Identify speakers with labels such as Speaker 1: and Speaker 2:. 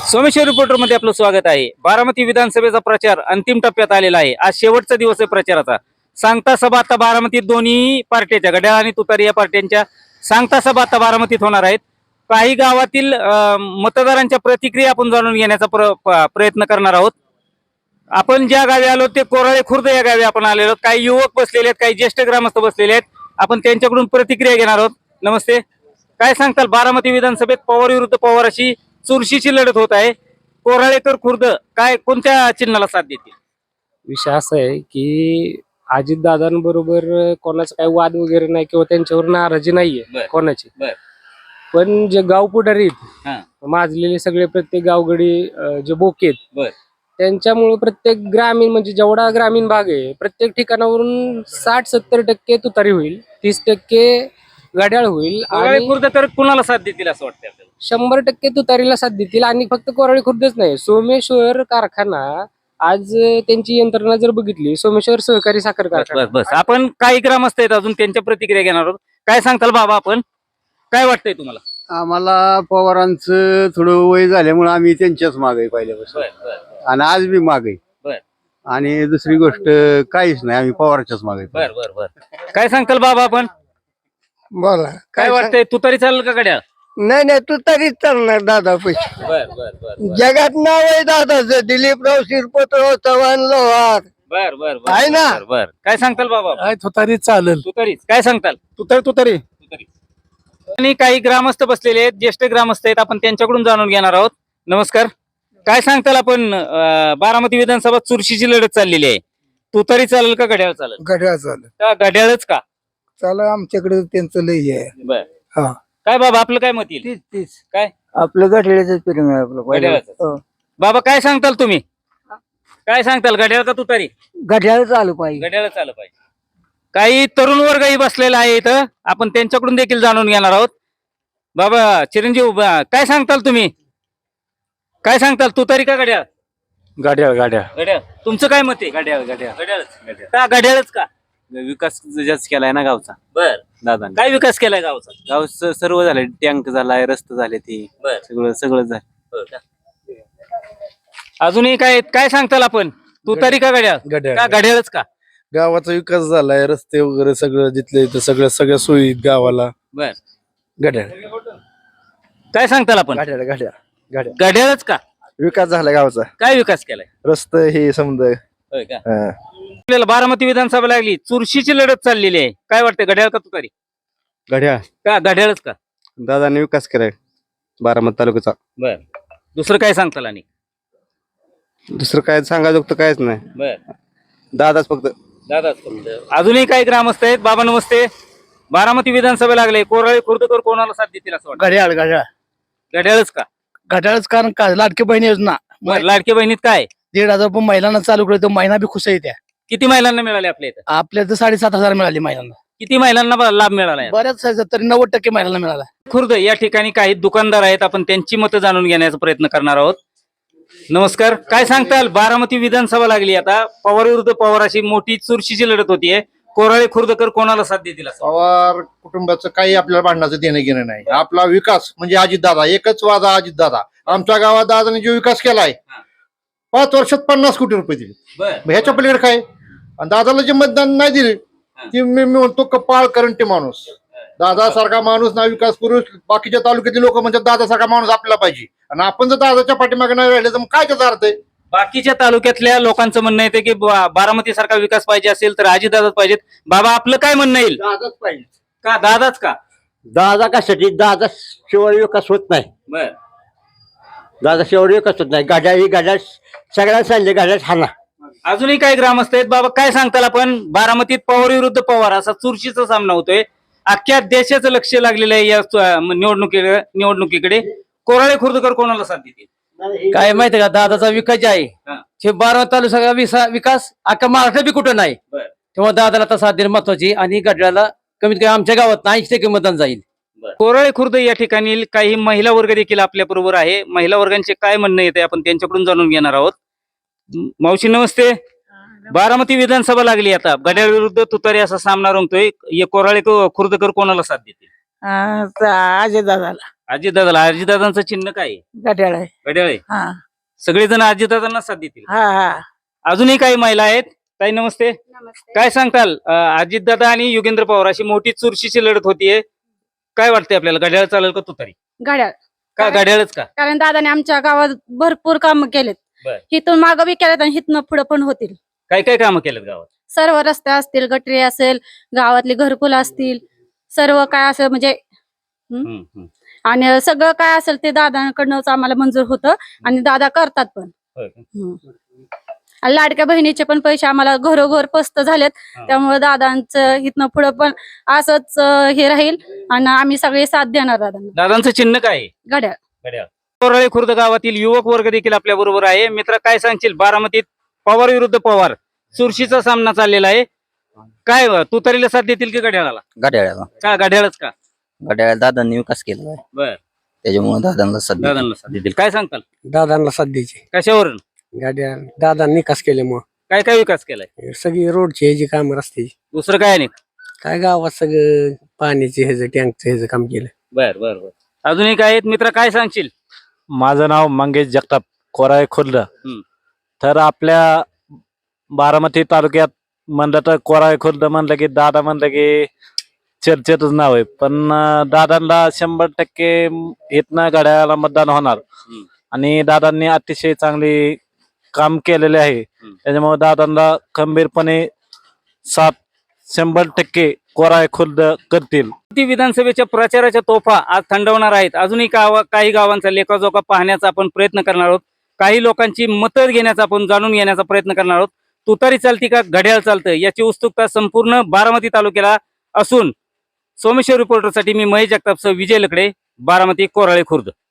Speaker 1: Someshwar reporter मध्ये आपलं स्वागत आहे। बारामती विधानसभेचा प्रचार अंतिम टप्प्यात आलेला आहे। आज शेवटचा दिवस आहे प्रचाराचा। सांगता सभा आता बारामतीत दोन्ही पार्ट्याच्या घड्याळ आणि तुतारी या पार्ट्यांच्या सांगता सभा आता बारामतीत होणार आहेत। काही गावातील मतदारांच्या प्रतिक्रिया आपण जाणून घेण्याचा प्रयत्न करणार आहोत। आपण ज्या गावी आलो ते कोराळे खुर्द या गावी आपण आलेलो। काही युवक बसलेले आहेत, काही ज्येष्ठ ग्रामस्थ बसलेले आहेत। आपण त्यांच्याकडून प्रतिक्रिया घेणार आहोत। नमस्ते, काय सांगताल? बारामती विधानसभेत पवार विरुद्ध पवार अशी चुरशीची लढत होत आहे। कोराळेकर खुर्द काय कोणत्या चिन्हाला साथ देतील?
Speaker 2: विषय असा आहे की अजितदादांबरोबर कोणाचा काही वाद वगैरे नाही किंवा त्यांच्यावर नाराजी नाहीये कोणाची, पण जे गाव पुढारी माजलेले सगळे प्रत्येक गावगडी जे बोके आहेत त्यांच्यामुळे प्रत्येक ग्रामीण म्हणजे जेवढा ग्रामीण भाग आहे प्रत्येक ठिकाणावरून 60-70% तुतारी होईल, 30% घड्याळ होईल
Speaker 1: आणि खुर्दकर कुणाला साथ देतील असं वाटतं आपल्याला?
Speaker 2: 100% तुतारीला साथ देतील। आणि फक्त कोराळे खुर्दच नाही, सोमेश्वर कारखाना आज त्यांची यंत्रणा जर बघितली, सोमेश्वर सहकारी साखर कारखाना।
Speaker 1: बस आपण काही ग्रामस्थ आहेत अजून, त्यांच्या प्रतिक्रिया घेणार आहोत। काय सांगताल बाबा, आपण काय वाटतंय तुम्हाला?
Speaker 3: आम्हाला पवारांचं थोडं वय झाल्यामुळे आम्ही त्यांच्याच मागे पहिल्यापासून आणि आज बी मागे। आणि दुसरी गोष्ट काहीच नाही, आम्ही पवारांच्याच मागे।
Speaker 1: काय सांगताल बाबा, आपण
Speaker 4: बोला
Speaker 1: काय वाटतंय? तुतारी चालेल का घड्याळ?
Speaker 4: नाही नाही, तू तरीच चालणार दादा पैसे। जगात नाव आहे दादाचं, दिलीपराव शिरपतराव चव्हाण लोहार आहे ना?
Speaker 1: काय सांगताल बाबा?
Speaker 4: तुतारीच चालेल।
Speaker 1: तुतारीच काय सांगताल?
Speaker 4: तुतारी
Speaker 1: आणि काही ग्रामस्थ बसलेले आहेत, ज्येष्ठ ग्रामस्थ आहेत, आपण त्यांच्याकडून जाणून घेणार आहोत। नमस्कार, काय सांगताल? आपण बारामती विधानसभा चुरशीची लढत चाललेली आहे। तुतारी चालेल का घड्याळ चालेल?
Speaker 4: घड्याळ चालेल।
Speaker 1: का घड्याळच का?
Speaker 4: चालेल, आमच्याकडे त्यांचं लय आहे। हा,
Speaker 1: काय बाबा आपलं काय मत येईल?
Speaker 4: तीच
Speaker 1: काय
Speaker 4: आपलं घड्याळच प्रेम आहे आपलं
Speaker 1: घड्याळाचं. बाबा काय सांगताल तुम्ही? काय सांगताल, घड्याळ का तुतारी?
Speaker 4: घड्याळ चालू पाहिजे।
Speaker 1: घड्याळच आलं पाहिजे। काही तरुण वर्गही बसलेला आहे इथं, आपण त्यांच्याकडून देखील जाणून घेणार आहोत। बाबा चिरंजीव, काय सांगताल तुम्ही? काय सांगताल, तुतारी का घड्याळ? घड्याळ। तुमचं काय मत आहे? घड्याळच का? घड्याळच का?
Speaker 5: विकास जास्त केलाय ना गावचा दादा।
Speaker 1: काय विकास केलाय गावचा?
Speaker 5: गावचं सर्व झालंय, टँक झालाय, रस्ते झाले, ते सगळं झालं।
Speaker 1: अजूनही काय काय सांगताल आपण? तुतारी का घड्याळ? का घड्याळच का?
Speaker 6: गावाचा विकास झालाय, रस्ते वगैरे सगळं जिथले इथं सगळ्या सोयी गावाला। घड्याळ।
Speaker 1: काय सांगताल आपण?
Speaker 6: घड्याळ
Speaker 1: घड्याळच का?
Speaker 6: विकास झाला गावाचा,
Speaker 1: काय विकास केलाय?
Speaker 6: रस्ते हे समजा।
Speaker 1: आपल्याला बारामती विधानसभा लागली, चुरशीची लढत चाललेली आहे। काय वाटतं, घड्याळ का तुतारी?
Speaker 6: घड्याळ।
Speaker 1: का घड्याळच का?
Speaker 6: दादाने विकास केलाय बारामती तालुक्याचा।
Speaker 1: दुसरं काय सांगताल? आणि
Speaker 6: दुसरं काय सांगायचं कायच नाही, दादाच फक्त।
Speaker 1: अजूनही काही ग्रामस्थ आहेत। बाबा नमस्ते, बारामती विधानसभा लागले, कोराळे खुर्दकर कोणाला साथ देतील असं वाटतं?
Speaker 4: घड्याळ
Speaker 1: घड्याळच का?
Speaker 4: घड्याळच कारण का लाडकी बहिणी योजना
Speaker 1: लाडकी बहिणीत काय
Speaker 4: 1,500 रुपये महिलांना चालू केलं, तर महिना बी खुश आहे त्या।
Speaker 1: किती महिलांना मिळाले आपल्या इथं?
Speaker 4: आपल्या तर 7,500 मिळाली महिलांना।
Speaker 1: किती महिलांना लाभ मिळाला?
Speaker 4: बऱ्याच तरी 90% महिलांना मिळाला।
Speaker 1: खुर्द या ठिकाणी काही दुकानदार आहेत, आपण त्यांची मतं जाणून घेण्याचा प्रयत्न करणार आहोत। नमस्कार, काय सांगताल? बारामती विधानसभा लागली आता, पवार विरुद्ध पवार अशी मोठी चुरशीची लढत होतीये। कोराळे खुर्दकर कोणाला साथ देतील असं?
Speaker 7: पवार कुटुंबाचं काही आपल्याला भांडणाचं देणं घेणं नाही। आपला विकास म्हणजे अजितदादा, एकच वादा अजितदादा। आमच्या गावात दादाने जो विकास केलाय 5 वर्षात 50 कोटी रुपये दिले, ह्याच्या पलीकडे काय? आणि दादाला जे मतदान नाही दिले ते मी म्हणतो कपाळ करंटे माणूस। दादासारखा माणूस ना विकास पुरुष, बाकीच्या तालुक्यातले लोक म्हणतात दादासारखा माणूस आपल्याला पाहिजे, आणि आपण जर दादाच्या पाठीमागे नाही राहिले तर मग काय त्याचा अर्थ आहे?
Speaker 1: बाकीच्या तालुक्यातल्या लोकांचं म्हणणं येते की बारामती सारखा विकास पाहिजे असेल तर अजितदादाच पाहिजेत। बाबा आपलं काय म्हणणं येईल?
Speaker 7: दादाच पाहिजे।
Speaker 1: का दादाच का?
Speaker 8: दादा कशासाठी? दादा शेवटी विकास होत नाही। दादा शेवटी विकास होत नाही। घड्याळ सगळ्यांना सांगले, घड्याळ हाना।
Speaker 1: अजूनही काही ग्रामस्थ आहेत। बाबा काय सांगताल आपण? बारामतीत पवार विरुद्ध पवार असा चुरशीचा सामना होतोय। अख्ख्या देशाचं लक्ष लागलेलं आहे या निवडणुकीकडे। कोराळे खुर्दकर कोणाला साथ देतील?
Speaker 4: काय माहितीये का, दादाचा विकास जे आहे बारामती तालुका विकास अख्खा महाराष्ट्र बी कुठं नाही, तेव्हा दादाला आता साथ देणं महत्वाची। आणि घड्याळाला कमीत कमी आमच्या गावात 80% मतदान जाईल।
Speaker 1: कोराळे खुर्द या ठिकाणी काही महिला वर्ग देखील आपल्या बरोबर आहे। महिला वर्गांचे काय म्हणणं येते आपण त्यांच्याकडून जाणून घेणार आहोत। मावशी नमस्ते, बारामती विधानसभा लागली आता, घड्याळ विरुद्ध तुतारी असा सामना रंगतोय। कोराळे खुर्दकर कोणाला साथ देतील?
Speaker 9: अजय दादाला।
Speaker 1: अजितदादांचं चिन्ह काय आहे?
Speaker 9: घड्याळ आहे.
Speaker 1: घड्याळ आहे.
Speaker 9: हा
Speaker 1: सगळेजण अजितदादांना साथ देतील.
Speaker 9: हा हा
Speaker 1: अजूनही काही महिला आहेत. ताई नमस्ते. काय सांगताल? अजितदादा आणि योगेंद्र पवार अशी मोठी चुरशीची लढत होतीये. काय वाटतंय आपल्याला? घड्याळ चालेल का तुतारी?
Speaker 9: घड्याळ.
Speaker 1: का घड्याळच का?
Speaker 9: कारण दादाने आमच्या गावात भरपूर काम केलेत.
Speaker 1: बर.
Speaker 9: हिथून मागं बी केलेत आणि हिथनं पुढे पण होतील.
Speaker 1: काय काय कामं केलेत गावात?
Speaker 9: सर्व रस्ते असतील, गटरी असेल, गावातली घरकुल असतील, सर्व काय असेल म्हणजे
Speaker 1: हम्म, हम्म.
Speaker 9: आणि सगळं काय असेल ते दादांकडनंच आम्हाला मंजूर होतं आणि दादा करतात पण.
Speaker 1: होय का?
Speaker 9: आणि लाडक्या बहिणीचे पण पैसे आम्हाला घरोघर पस्त झालेत.
Speaker 1: हा.
Speaker 9: त्यामुळे दादांचं इथनं पुढे पण असंच हे राहील आणि आम्ही सगळे साथ देणार दादांना.
Speaker 1: दादांचं चिन्ह काय आहे?
Speaker 9: घड्याळ.
Speaker 1: घड्याळ. कोराळे खुर्द गावातील युवक वर्ग देखील आपल्या बरोबर आहे. मित्र काय सांगशील? बारामतीत पवार विरुद्ध पवार चुरशीचा सामना चाललेला आहे. काय तुतारीला साथ देतील की घड्याळाला?
Speaker 10: घड्याळाला.
Speaker 1: का घड्याळच का?
Speaker 10: घड्याळ दादांनी विकास केला आहे
Speaker 1: बर.
Speaker 10: त्याच्यामुळे दादांना सध्या
Speaker 1: दादांना साथ देतील. काय सांगताल?
Speaker 2: दादांना साथ द्यायची.
Speaker 1: कशावरून?
Speaker 2: गाड्या दादांनी विकास केल्यामुळे
Speaker 1: काय काय विकास केलाय?
Speaker 2: सगळी रोडची जी काम रस्त्याची
Speaker 1: दुसरं काय नाही?
Speaker 2: काय गावात सगळं पाण्याचे ह्याचं टँकचं ह्याचं काम केलं.
Speaker 1: बर बर बर. अजूनही काय आहेत मित्र? काय सांगशील?
Speaker 6: माझं नाव मंगेश जगताप, कोराळे खुर्द.
Speaker 1: हम्म.
Speaker 6: तर आपल्या बारामती तालुक्यात म्हणलं तर कोराळे खुर्द म्हणलं की दादा म्हणलं की चर्चेतच नाव आहे. पण दादांना 100% इथनं घड्याळाला मतदान होणार.
Speaker 1: हम्म.
Speaker 6: आणि दादांनी अतिशय चांगली काम केलेले आहे. त्याच्यामुळे दादांना खंबीरपणे 100% कोराळे खुर्द करतील.
Speaker 1: ती विधानसभेच्या प्रचाराच्या तोफा आज थंडवणार आहेत. अजूनही काही गावांचा लेखाजोखा पाहण्याचा आपण प्रयत्न करणार आहोत. काही लोकांची मतं घेण्याचा आपण जाणून घेण्याचा प्रयत्न करणार आहोत. तुतारी चालती का घड्याळ चालतं याची उत्सुकता संपूर्ण बारामती तालुक्याला असून सोमेश्वर रिपोर्टरसाठी मी महेश जगतापसह विजय लकडे, बारामती, कोराळे खुर्द.